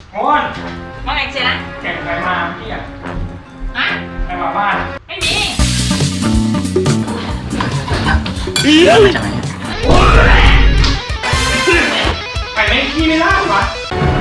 โอนว่าไงเชียนะแข่งใครมาพี่อ่ะฮะใครมาบ้านไม่มีมาจากไหนใครไม่ขี้ไม่ล่าวะ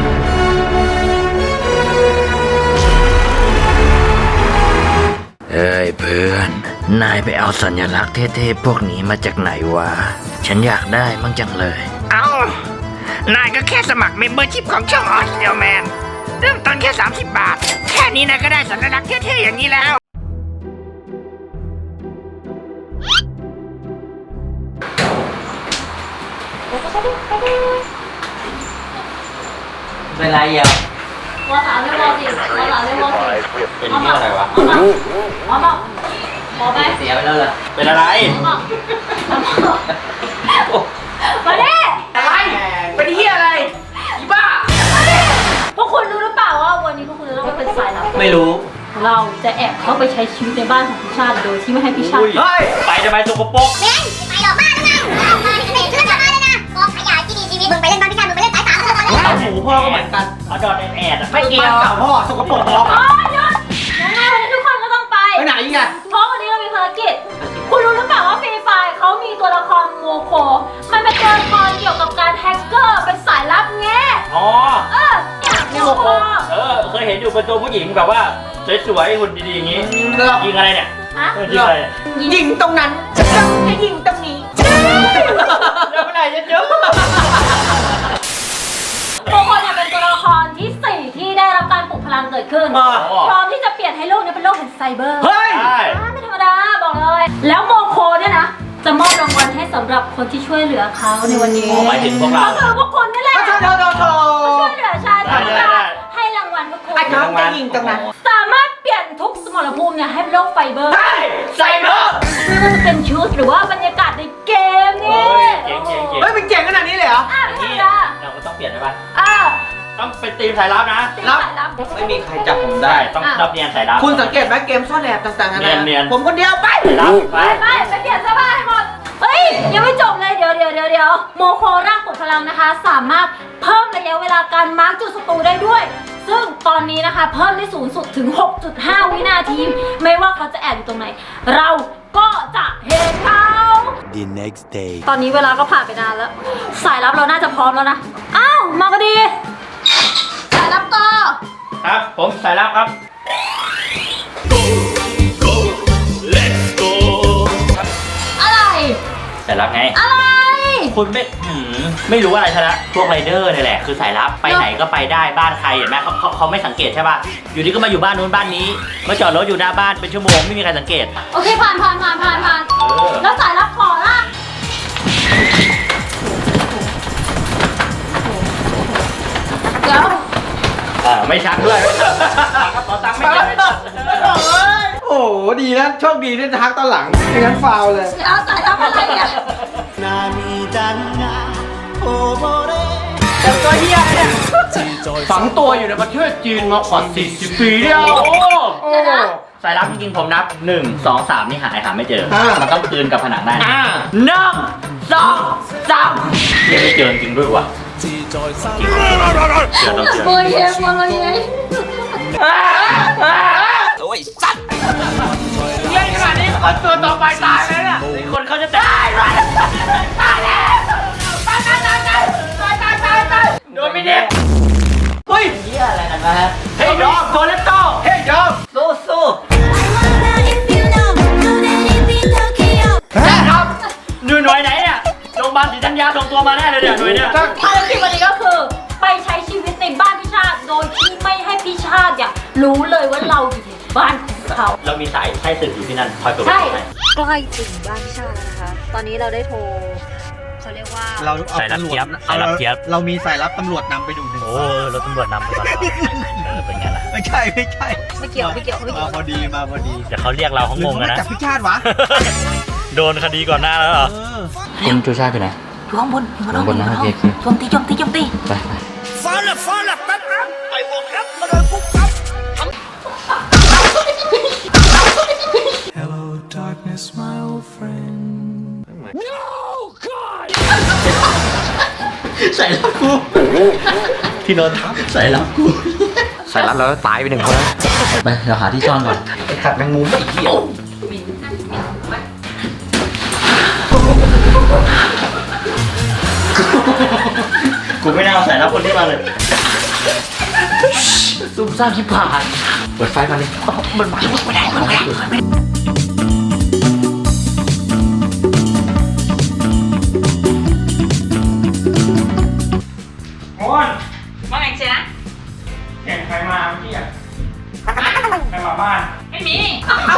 เอ้ยเพื่อนนายไปเอาสัญลักษณ์เท่ๆพวกนี้มาจากไหนวะฉันอยากได้มั่งจังเลยเอานายก็แค่สมัครเมมเบอร์ชิพของช่องออสเดลแมนเริ่มต้นแค่30 บาท แค่นี้นายก็ได้สัญลักษณ์เท่ๆอย่างนี้แล้วเป็นไรอ่ะวอสามเรียกวอสี่วอสามเรียกวอสี่เป็นที่อะไรวะหมอบอกหมอไปเสียไปแล้วเหรอเป็นอะไรหมอมาดิอะไร เป็นเฮียอะไร อีบ้าพวกคุณรู้หรือเปล่าว่าวันนี้พวกคุณจะต้องไปเป็นสายลับไม่รู้เราจะแอบเข้าไปใช้ชีวิตในบ้านของพี่ชาติโดยที่ไม่ให้พี่ชาติเฮ้ยไปทำไมสกปรกเม้งไปหรอกบ้านนะมาดิเพื่อนกลับมาเลยนะกองขยะที่มีชีวิตมึงไปเล่นบ้านพี่ชายมึงไปเล่นสายสามเลยเอาหมูพ่อก็เหมือนกันเอาดอดแอดไม่เกี่ยวพ่อสกปรกพ่ออ๋อหยุดยังไงวันนี้ทุกคนก็ต้องไปไปไหนอีกอะเพราะวันนี้เรามีภารกิจ คุณรู้หรือเปล่าว่าฟรีไฟร์เขามีตัวละครโมโค มันเป็นตัวละครเกี่ยวกับการแฮกเกอร์ เป็นสายลับแง่อ๋อเนี่ยนี่โมโคเคยเห็นอยู่เป็นตัวผู้หญิงแบบว่าสวยๆหุ่นดีๆอย่างงี้ยิงอะไรเนี่ยฮะยิงอะไรยิงตรงนั้นให้ยิงตรงนี้เดี๋ยวไปไหนเยอะโมโคเนี่ยเป็นตัวละครที่ 4 ที่ได้รับการปลุกพลังเกิดขึ้น พร้อมที่จะเปลี่ยนให้โลกนี้เป็นโลกแห่งไซเบอร์เฮ้ยใช่ไม่ธรรมดาบอกเลย แล้วโมโคเนี่ยนะ จะมอบรางวัลให้สำหรับคนที่ช่วยเหลือเขาในวันนี้หมายถึงพวกเราก็คือพวกคุณนี่แหละโถช่วยเหลือชาติได้ได้ให้รางวัลพวกคุณไอ้น้องจะยิงตรงนั้นสามารถเปลี่ยนทุกสมรภูมิเนี่ยให้เป็นโลกไฟเบอร์ใช่ไซเบอร์ไม่ว่าจะเป็นชุดหรือว่าบรรยากาศในเกมนี่เก่งเฮ้ยเป็นเจ๋งขนาดนี้เลยเหรออ่ะไม่ธรรมดาเราก็ต้องเปลี่ยนได้ป่ะอ่ะต้องเป็นทีมสายลับนะตีสายลับไม่มีใครจับผมได้ต้องรับเนียนสายลับคุณสังเกตไหมเกมซ่อนแอบต่างๆกันาเนียนผมคนเดียวไปสายลับไปไปไปเปลี่ยนเสื้อผ้าให้หมด เฮ้ย ยังไม่จบเลยเดี๋ยวโมโคร่างปลุกพลังนะคะ สามารถเพิ่มระยะเวลาการมาร์กจุดศัตรูได้ด้วย ซึ่งตอนนี้นะคะเพิ่มได้สูงสุดถึง 6.5 วินาที ไม่ว่าเขาจะแอบอยู่ตรงไหน เราก็จะเห็นเขา The next day ตอนนี้เวลาก็ผ่านไปนานแล้ว สายลับเราน่าจะพร้อมแล้วนะ อ้าว มาก็ดี สายลับต่อครับผมสายลับครับอะไรสายลับไงอะไรคุณไม่รู้อะไรซะละพวกไรเดอร์นี่แหละคือสายลับไปไหนก็ไปได้บ้านใครเห็นไหมเขาไม่สังเกตใช่ป่ะอยู่ดีก็มาอยู่บ้านนู้นบ้านนี้มาจอดรถอยู่หน้าบ้านเป็นชั่วโมงไม่มีใครสังเกตโอเคผ่านแล้วสายลับขอละเดี๋ยวไม่ชักด้วยขอตังค์ไม่เจ็บไม่ชักโอ้โหดีนะโชคดีที่ทักตอนหลังไม่งั้นฟาวเลยเดี๋ยวสายลับอะไรเนี่ยแต่ตัวเฮียเนี่ยฝังตัวอยู่ในประเทศจีนมากว่า40 ปีแล้วโอ้สายลับจริงๆผมนับ1 2 3นี่หาไม่เจอมันต้องคืนกับผนังได้1 2 3ยังไม่เจอจริงด้วยวะเจอต้องเจอเบย์เย็นมาเลยไงเฮียขนาดนี้คนตัวต่อไปตายเลยเนี่ยคนเขาจะตายโดนไม่เด็กเฮ้ยเหี้ยอะไรกันนะฮะเฮ้ยยอมโซเลตโต้เฮ้ยยอมสู้แม่ครับหน่วยไหนเนี่ยโรงพยาบาลศรีธัญญาส่งตัวมาแน่เลยเนี่ยหน่วยเนี่ยภารกิจวันนี้ก็คือ ไปใช้ชีวิตในบ้านพี่ชาติ โดยที่ไม่ให้พี่ชาติเนี่ยรู้เลยว่าเราอยู่ในบ้านของเขาเรามีสายใช้ศึกอยู่ที่นั่นคอยตรวจใช่ให้ใกล้ถึงบ้านพี่ชาติแล้วนะคะ ตอนนี้เราได้โทรเขาเรียกว่าเราเอาตำรวจเรามีสายลับตำรวจนำไปดูหนึ่งโอ้รถตำรวจนำไปก่อนเป็นไงล่ะไม่ใช่ไม่เกี่ยวมาพอดีมาพอดีเดี๋ยวเขาเรียกเราเขางงหรือกันเขานะมาจับพิชาติวะโดนคดีก่อนหน้าแล้วเหรอคุณชูชาติไปไหนอยู่ข้างบนข้างบนนะโอเคโจมตีไปใส่แล้วกูที่นอนทับสายลับกูสายลับแล้วตายไปหนึ่งคนแล้วไปเราหาที่ซ่อนก่อนไอ้ขัดแมงมุมไอ้เหี้ยกูไม่น่าเอาสายลับคนที่มาเลยซุ่มซ่ามที่ผ่านเปิดไฟมาเลยมันมาไม่ได้ไม่ได้โอนว่าไงเจ๊นะเห็นใครมาเมื่อกี้อ่ะใครมาบ้านไม่มีฮะ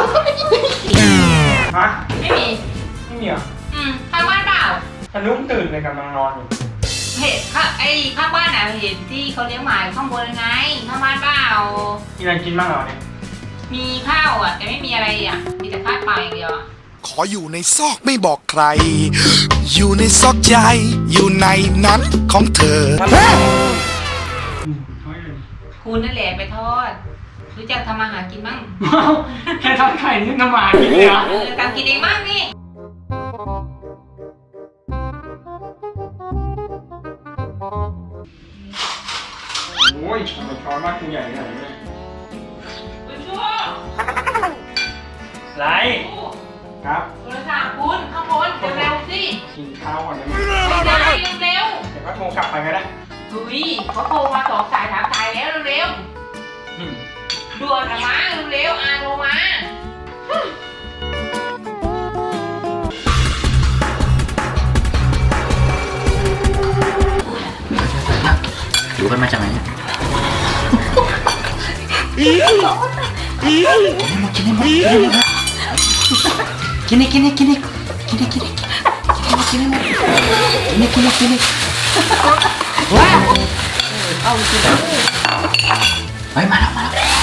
ไม่มีไม่มีเหรอข้างบ้านเปล่าฉันนุ่มตื่นเลยกำลังนอนอยู่เห็นข้างบ้านน่ะเห็นที่เขาเลี้ยงหมาอยู่ข้างบนไงข้างบ้านเปล่ามีอะไรกินบ้างเหรอเนี่ยมีข้าวอ่ะแต่ไม่มีอะไรอ่ะมีแต่ข้าวเปล่าอย่างเดียวอะขออยู่ในซอกไม่บอกใคร อยู่ในซอกใจ อยู่ในนั้นของเธอคุณนั่นแหละไปทอดรู้จักทำอาหารกินบ้างแค่ทอดไข่นี่น้ำหมากินเลยเหรอทำกินเองบ้างนี่โอ้ยทำไมช้อนมากกูใหญ่ขนาดนี้เลยคุณชั่วไรครับโทรศัพท์คุณข้างบนเร็วๆสิกินข้าวก่อนได้ไหมเร็วเดี๋ยวก็โทรกลับไปก็ได้ๆดุยเขาโทรมา2 สาย 3 สายแล้วเร็วอืมๆด่วนอะมาเร็วๆโทรมาอยู่กันมาจากไหนเนี่ยกินนี่ว้าวเอาสิเฮ้ยมาแล้ว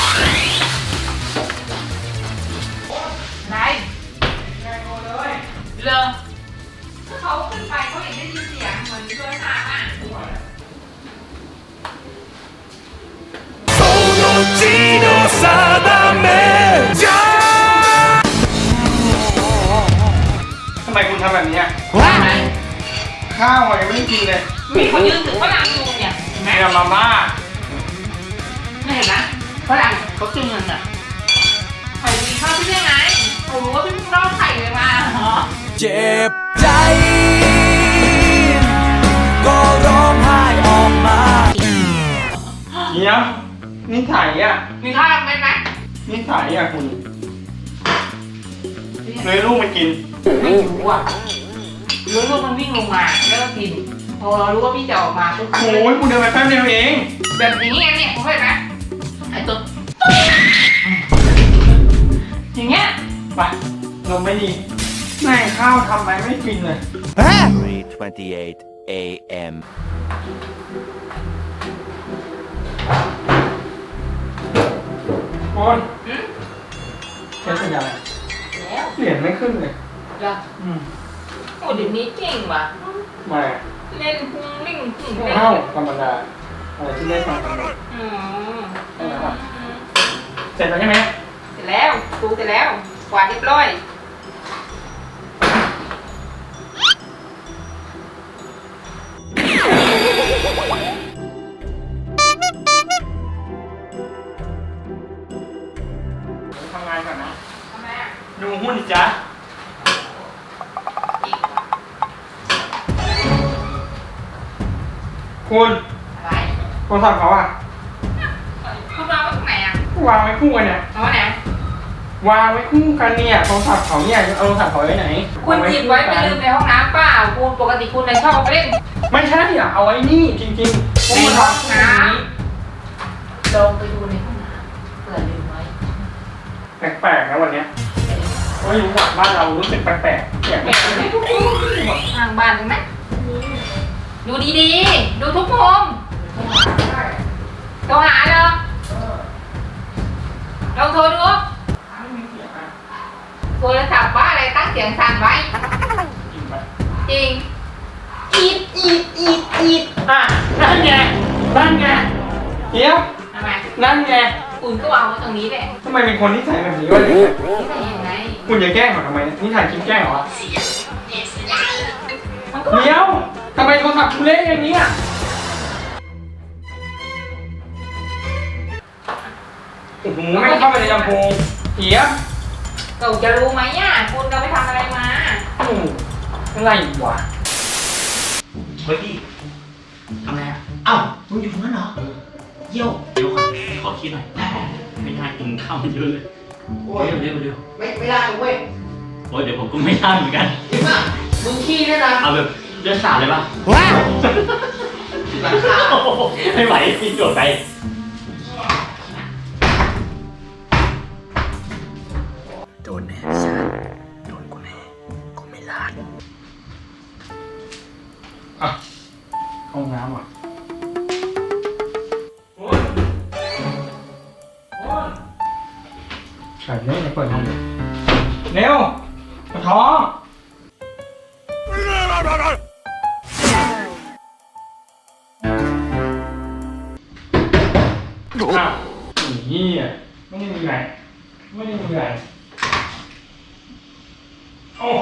ไหนเลอเขาขึ้นไปเขาเห็นได้ยินเสียงเหมือนโทรศัพท์อ่ะทำไมคุณทำแบบนี้อ่ะว่าไหมข้าวอะยังไม่ได้กินเลยมีคนยืนถือฝรั่งอยู่เนี่ยเห็นไหมแม่มาม่าไม่เห็นนะฝรั่งเขาจึงเงินอ่ะใครมีข้าวพี่ได้ไงเขารู้ว่าพี่เพิ่งรอดไข่เลยมาเหรอเจ็บใจ ก็ร้องไห้ออกมาเดี๋ยวนิสัยอ่ะมีข้าวไหมไหมนิสัยอ่ะคุณเลยลูกมันกินไม่รู้อ่ะรู้ว่ามันวิ่งลงมาแล้วก็กินพอเรารู้ว่าพี่จะออกมาปุ๊บโอ้ยคุณเดินไปแป๊บเดียวเองแบบนี้ไงเนี่ยผมเห็นไหมไอ้ตัวอย่างเงี้ยไปนมไม่ดีแม่งข้าวทำไปไม่กินเลย 3:28 a.m. คนใช้สัญญาณอะไรแล้วเหรียญไม่ขึ้นเลยเหรออืมโอ้เดี๋ยวนี้เก่งว่ะไมาเล่นพุงลิ่งพุงเล่นข้าวธรรมดาอะไรที่ได้ฟังกันหมดอืมเสร็จแล้วใช่ไหมเสร็จแล้วดูเสร็จแล้วกวาดเรียบร้อยทำงานก่อนนะทำไมอ่ะดูหุ้นจ้ะเก่งว่ะคุณอะไรโทรศัพท์เขาอะคุณวางไว้ตรงไหนอ่ะวางไว้คู่กันเนี่ยเอาไว้ไหนวางไว้คู่กันเนี่ยโทรศัพท์เขาเนี่ยเอาโทรศัพท์เขาไว้ไหนคุณหยิบไว้ไปลืมในห้องน้ำเปล่าคุณปกติคุณชอบเอาไปเล่นไม่ใช่อ่ะเอาไว้นี่จริงๆในห้องน้ำลองไปดูในห้องน้ำเผื่อลืมไว้แปลกๆนะวันเนี้ยไม่รู้ว่าบ้านเรารู้สึกแปลกๆเนี่ยเก็บไว้ทุกมุมทางบ้านเห็นไหมดูดีๆ ดูทุกมุมโทรหาเหรอลองโทรดูโทรศัพท์ว่าอะไรตั้งเสียงสั่นไว้จริงปะจริง อีดอ่ะนั่นไงเดี๋ยวทำไมนั่นไงคุณก็วางไว้ตรงนี้แหละทำไมเป็นคนที่ใส่แบบนี้วะเนี่ยนี่ใส่ยังไงคุณจะแกล้งเขาทำไมเนี่ยนี่ถ่ายคลิปแกล้งเหรอมันก็เดี๋ยวทำไมโทรศัพท์คุณเละอย่างนี้อ่ะไม่เข้าไปในลำโพงเหี้ยเราจะรู้ไหมอ่ะคุณเราไปทำอะไรมาอะไรวะเฮ้ยพี่ทำอะไรอ่ะเอ้ามึงอยู่ตรงนั้นเหรอเยี่ยวเดี๋ยวขอคิดหน่อยไม่ได้กินข้าวมันเยอะเลยโอ้ยเดี๋ยวไม่ได้เว้ยโอ้ยเดี๋ยวผมก็ไม่ได้เหมือนกันมึงขี้ด้วยนะเอาแบบเลือดสาดเลยป่ะว้าวไม่ไหวพี่โดดไปโดนแน่โดนกูแน่กูไม่ลาดอ่ะห้องน้ำอ่ะใส่เนี่ยเปิดห้องเร็วกระท้องอ้าวนี่อ่ะไม่ได้มีอะไรไม่ได้มีอะไรโอ้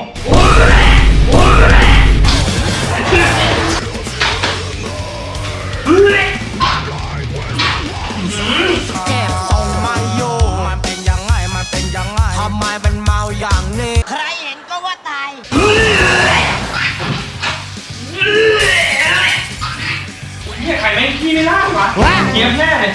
แก้มทรงไม่โยมันเป็นยังไงมันเป็นยังไงทำไมมันเมาอย่างนี้ใครเห็นก็ว่าตายเนี่ยใครไม่ขี้ไม่ได้วะเกียมแน่เลย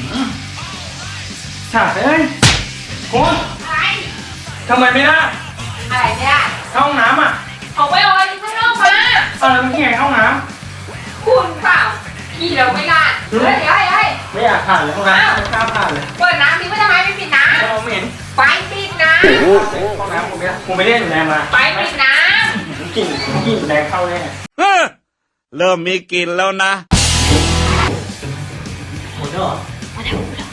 ฉากเอ้ยคุณทำไมไม่ได้อะไรเนี่ยเข้าห้องน้ำอ่ะออกไปออกไปข้างนอกมาแล้วมันที่ไงเข้าห้องน้คุณเปล่าพี่เราไม่ลาดเฮ้ยเฮ้ยเฮ้ยำไม่อยากผ่านเลยห้องน้ำไม่กล้าผ่านเลยเปิดน้ำทิ้งไว้ทำไมไม่ปิดน้เราไม่เห็นำไฟปิดน้ห้องน้ำผมไม่เล่นอยู่แรงมาำไฟปิดน้กลิ่นแรงเข้าแน่เริ่มมีกลิ่นแล้วนะหมดแล้วเหรอ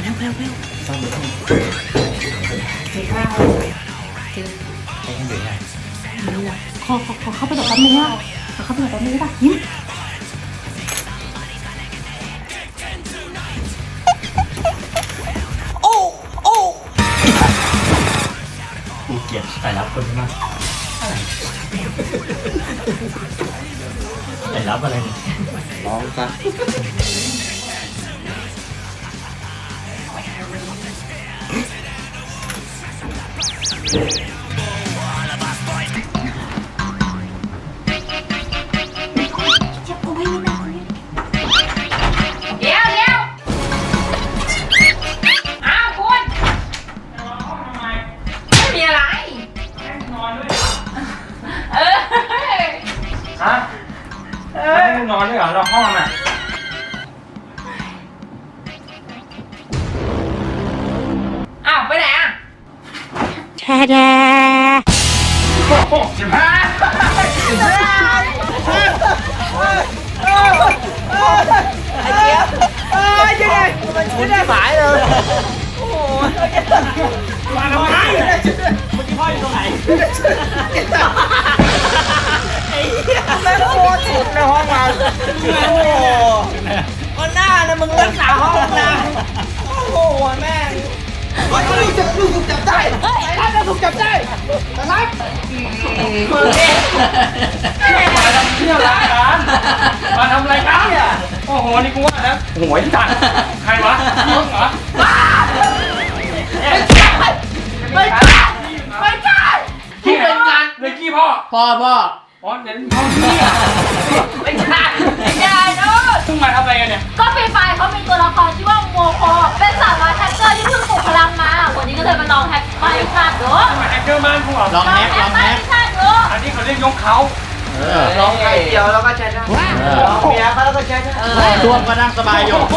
ขอเข้าไปหน่อยแป๊บนึงอ่ะขอเข้าไปหน่อยแป๊บนึงได้ป่ะยิ้มกูเกลียดสายลับคนนี้มากสายลับอะไรเนี่ยร้องซะำเดี๋ยวอ้าวคุณไม่มีอะไรนอนด้วยเออฮะไม่นอนด้วยเหรอเราห้องอ่ะอ้าวไปไหนอ่ะโอ้15 หายเลยมาทำไมเมื่อกี้พ่ออยู่ตรงไหนแม่โคตรสุดในห้องเราโอ้โหวันหน้านะมึงรักษาห้องนะโอ้โหแม่ลูกถูกจับได้รับเราถูกจับได้รับมาทำเที่ยวรายการมาทำรายการเนี่ยโอ้โหนี่กูว่านะโอ้โหจัดใครวะพี่เหรอไม่ใช่ที่เป็นงานเลยกี้พ่อพ่ออ๋อเดี๋ยวพ่อพี่อ่ะไม่ใช่นู่นเพิ่งมาทำอะไรกันเนี่ยก็ฟรีไฟเขามีตัวละครชื่อว่าโมโคเป็นสาวน้อยแฮกเกอร์ที่เพิ่งปลุกพลังมาวันนี้ก็เลยมาลองแฮกไฟชาติดูมาแฮกเกอร์บ้านกูเหรอลองแฮกไฟชาติดูอันนี้เขาเรียกยกเขาร้องไข่เดียวแล้วก็ใช้ได้ร้องเมียเขาแล้วก็ใช้ได้ช่วงก็นั่งสบายอยู่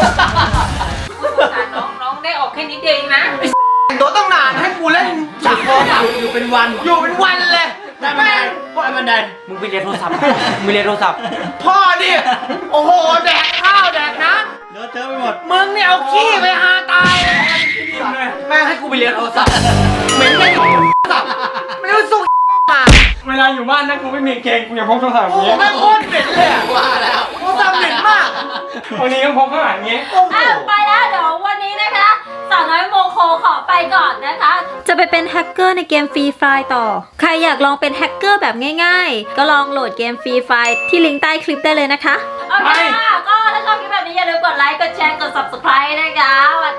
น้องได้ออกแค่นิดเดียวเองนะตัวต้องนานให้กูเล่นสักโมงอยู่เป็นวันอยู่เป็นวันเลยได้บันไดได้บันไดมึงไปเรียนโทรศัพท์มึงเรียนโทรศัพท์พ่อดิโอ้โหแดกข้าวแดกน้เลอะเทอะไปหมดำมึงเนี่ยเอาขี้ไปหาตายเลยแม่งให้กูไปเรียนโทรศัพท์เหม็นไม่สับไม่รู้สุกมาเวลาอยู่บ้านนะกูไม่มีเกงกูจะพกโทรศัพท์อโอ้ย่างโหเงี้ยแม่งโคตรเหม็นเลยอะว่าแล้วโทรศัพท์เหม็นมากวันนี้ก็พกข้างหลังอย่างเงี้ยไปแล้วเดี๋ยววันนี้นะคะสาวน้อยโมโคขอไปก่อนนะคะ จะไปเป็นแฮกเกอร์ในเกมฟรีไฟต่อ ใครอยากลองเป็นแฮกเกอร์แบบง่ายๆ ก็ลองโหลดเกมฟรีไฟที่ลิงก์ใต้คลิปได้เลยนะคะโอเคค่ะก็ถ้าชอบคลิปแบบนี้อย่าลืมกดไลค์กดแชร์กด subscribe นะคะวัน